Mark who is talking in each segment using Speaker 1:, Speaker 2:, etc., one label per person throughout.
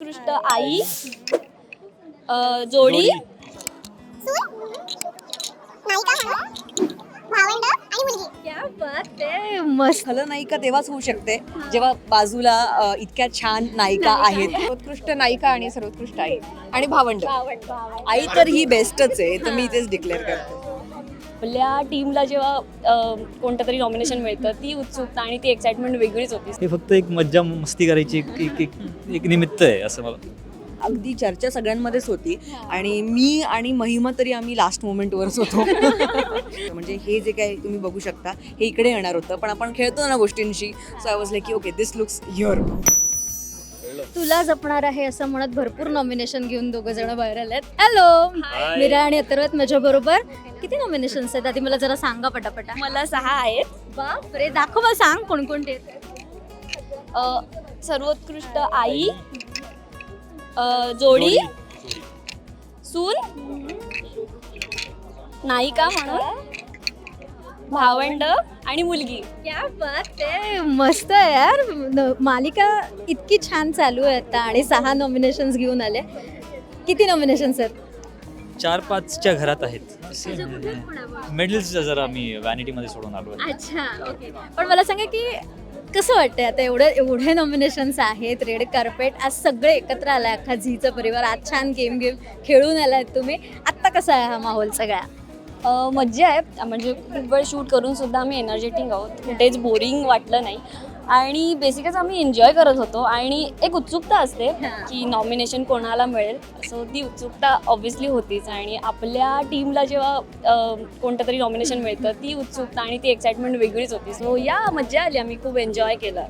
Speaker 1: सर्वोत्कृष्ट आई, जोडी,
Speaker 2: क्या बात आहे, मस्त.
Speaker 3: खलनायिका तेव्हाच होऊ शकते जेव्हा बाजूला इतक्या छान नायिका आहेत.
Speaker 4: सर्वोत्कृष्ट नायिका आणि सर्वोत्कृष्ट आई आणि भावंड.
Speaker 3: आई तर ही बेस्टच आहे, तर मी इथेच डिक्लेअर करते.
Speaker 1: आपल्या टीमला जेव्हा कोणतं तरी नॉमिनेशन मिळतं ती उत्सुकता आणि ती एक्साइटमेंट वेगळीच होती.
Speaker 5: हे फक्त एक मज्जा मस्ती करायची एक निमित्त आहे असं मला.
Speaker 3: अगदी चर्चा सगळ्यांमध्येच होती आणि मी आणि महिमा तरी आम्ही लास्ट मोमेंटवरच होतो. म्हणजे हे जे काही तुम्ही बघू शकता हे इकडे येणार होतं, पण आपण खेळतो ना गोष्टींशी, सो आय वॉज लाईक की ओके दिस लुक्स हिअर.
Speaker 2: तुला जपणार आहे असं म्हणत भरपूर नॉमिनेशन घेऊन दोघं जण बाहेर आलेत. हॅलो, मीरा आणि अथर्व माझ्या बरोबर. किती नॉमिनेशन्स आहेत आधी मला जरा सांगा पटापटा.
Speaker 1: मला 6 आहेत.
Speaker 2: बापरे, दाखव मला, सांग कोणकोणते आहेत.
Speaker 1: सर्वोत्कृष्ट आई, जोडी, सून, नायिका म्हणून, भावंड आणि मुलगी.
Speaker 2: क्या बात आहे, मस्त आहे यार. मालिका इतकी छान चालू आहे आता आणि 6 नॉमिनेशन्स घेऊन आले. किती नॉमिनेशन्स आहेत?
Speaker 5: 4-5च्या घरात आहेत. मेडल्स जरा मी व्हॅनिटीमध्ये सोडून आलो आहे.
Speaker 2: अच्छा, ओके. पण मला सांगा की कसं वाटतंय आता एवढे नॉमिनेशन्स आहेत, रेड कार्पेट, आज सगळे एकत्र आलाय, अख्खा झीचा परिवार, आज छान गेम खेळून आलात तुम्ही. आत्ता कसा आहे हा माहोल सगळा?
Speaker 1: मज्जा आहे, म्हणजे खूप वेळ शूट करून सुद्धा आम्ही एनर्जेटिक आहोत, कुठेच बोरिंग वाटलं नाही आणि बेसिकच आम्ही एन्जॉय करत होतो. आणि एक उत्सुकता असते की नॉमिनेशन कोणाला मिळेल, सो ती उत्सुकता ऑब्व्हियसली होतीच. आणि आपल्या टीमला जेव्हा कोणतं तरी नॉमिनेशन मिळतं ती उत्सुकता आणि ती एक्साइटमेंट वेगळीच होती. सो या मज्जा आली, आम्ही खूप एन्जॉय केलं.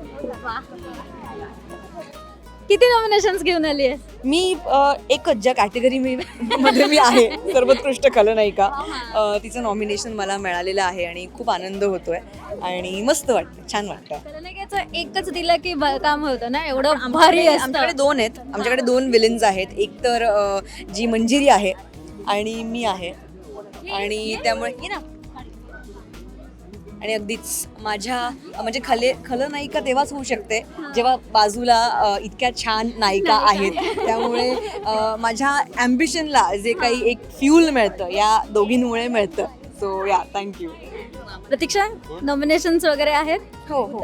Speaker 2: किती नॉमिनेशन्स घेऊन आली आहे?
Speaker 3: मी एकच ज्या कॅटेगरी मध्ये मी आहे, सर्वोत्कृष्ट खलनायिका, तिचं नॉमिनेशन मला मिळालेलं आहे आणि खूप आनंद होतोय आणि मस्त वाटतं, छान वाटतं.
Speaker 2: खलनायिकाचं एकच दिलं की काम होतं ना, एवढं भारी असतं.
Speaker 3: आमच्याकडे 2 आहेत, आमच्याकडे 2 विलन्स आहेत. एक तर जी मंजिरी आहे आणि मी आहे, आणि त्यामुळे ये ना. आणि अगदीच माझ्या म्हणजे खलनायिका तेव्हाच होऊ शकते जेव्हा बाजूला इतक्या छान नायिका आहेत. त्यामुळे माझ्या ॲम्बिशनला जे काही एक फ्यूल मिळतं या दोघींमुळे मिळतं. सो या, थँक्यू.
Speaker 2: प्रतीक्षा, नॉमिनेशन्स वगैरे आहेत?
Speaker 4: हो हो.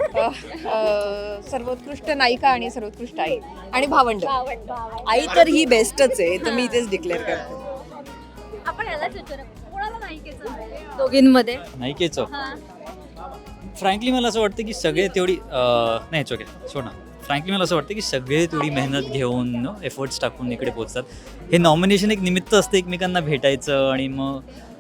Speaker 4: सर्वोत्कृष्ट नायिका आणि सर्वोत्कृष्ट आई आणि भावंड.
Speaker 3: आई तर ही बेस्टच आहे, तर मी इथेच डिक्लेअर करते.
Speaker 2: आपण यालाच विचारू, कोणाला नायिकेचं मिळेल दोघींमध्ये?
Speaker 5: नायिकेचं फ्रँकली मला असं वाटतं की सगळे तेवढी नाही ओके सोड ना. फ्रँकली मला असं वाटतं की सगळे तेवढी मेहनत घेऊन एफर्ट्स टाकून इकडे पोचतात. हे नॉमिनेशन एक निमित्त असतं एकमेकांना भेटायचं आणि मग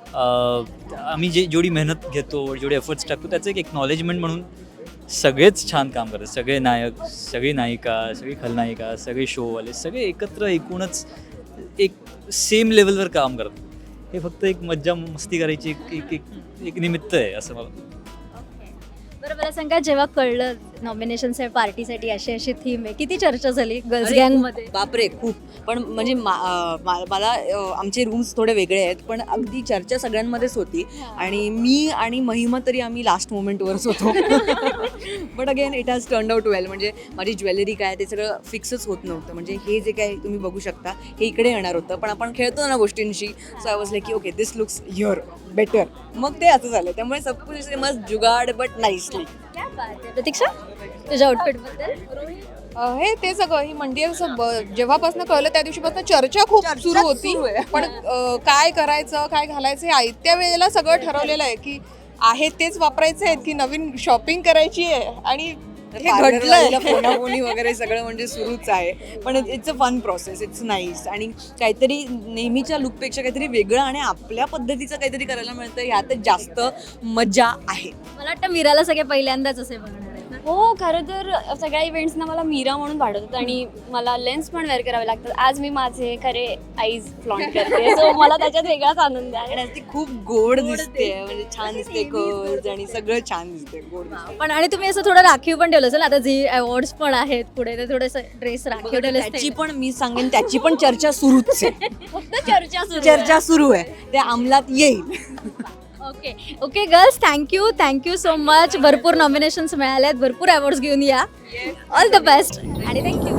Speaker 5: आम्ही जेवढी मेहनत घेतो, जेवढे एफर्ट्स टाकतो त्याचं एक एक्नॉलेजमेंट म्हणून सगळेच छान काम करतात. सगळे नायक, सगळी नायिका, सगळी खलनायिका, सगळे शोवाले, सगळे एकत्र एकूणच एक सेम लेवलवर काम करतात. हे फक्त एक मज्जा मस्ती करायची एक निमित्त आहे असं मला.
Speaker 2: बरं, मला सांगा, जेव्हा कळलं नॉमिनेशन पार्टीसाठी अशी थीम आहे, किती चर्चा झाली गर्ल्स गँगमध्ये?
Speaker 3: बापरे, खूप. पण म्हणजे मला आमचे रूम्स थोडे वेगळे आहेत, पण अगदी चर्चा सगळ्यांमध्येच होती आणि मी आणि महिमा तरी आम्ही लास्ट मोमेंटवरच होतो. But again it has turn out well. म्हणजे माझी ज्वेलरी काय ते सगळं फिक्सच होत नव्हतं. म्हणजे हे जे काही तुम्ही बघू शकता हे इकडे येणार होतं, पण आपण खेळतो ना गोष्टींशी, सो आय वॉज लाईक की okay this looks here better. मग ते असं झालं. त्यामुळे सब कुछ मस्त जुगाड बट नाईसली.
Speaker 2: प्रतीक्षा, तुझ्या आउटफिट बद्दल?
Speaker 4: हे ते सगळं ही मंडी जेव्हापासून कळलं त्या दिवशीपासून चर्चा खूप सुरू होती. पण काय करायचं, काय घालायचं हे आयत्या वेळेला सगळं ठरवलेलं आहे की आहे तेच वापरायचे आहेत की नवीन शॉपिंग करायची आहे. आणि हे घडलंय.
Speaker 3: फोनाफोनी वगैरे सगळं म्हणजे सुरूच आहे. पण it's a fun process, it's nice. आणि काहीतरी नेहमीच्या लुकपेक्षा काहीतरी वेगळं आणि आपल्या पद्धतीचं काहीतरी करायला मिळतं, ह्यातच जास्त मजा आहे.
Speaker 2: मला वाटतं मीराला सगळे पहिल्यांदाच असे बघणार आहेत ना?
Speaker 1: हो, खरं तर सगळ्या इव्हेंट्सना मला मीरा म्हणून पाठवतात आणि मला लेन्स पण वेअर करावे लागतात. आज मी माझे खरे आईज फ्लॉन्ट करते, सो मला त्याच्यात वेगळाच आनंद आहे.
Speaker 3: आणि ती खूप गोड दिसते, म्हणजे छान दिसते कर्ल्स आणि सगळं छान दिसते, गोड दिसते.
Speaker 2: पण आणि तुम्ही असं थोडं राखीव पण ठेवलं असेल, आता जी अवॉर्ड्स पण आहेत पुढे, ते थोडंसं ड्रेस राखीव ठेवलं
Speaker 3: त्याची पण मी सांगेन, त्याची पण चर्चा सुरूच आहे.
Speaker 1: फक्त चर्चा
Speaker 3: चर्चा सुरू आहे, ते अंमलात येईल.
Speaker 2: Okay okay girls, thank you so much. भरपूर नॉमिनेशन्स मिळाले आहेत, भरपूर अवॉर्ड्स घेऊन या. ऑल द बेस्ट आणि थँक्यू.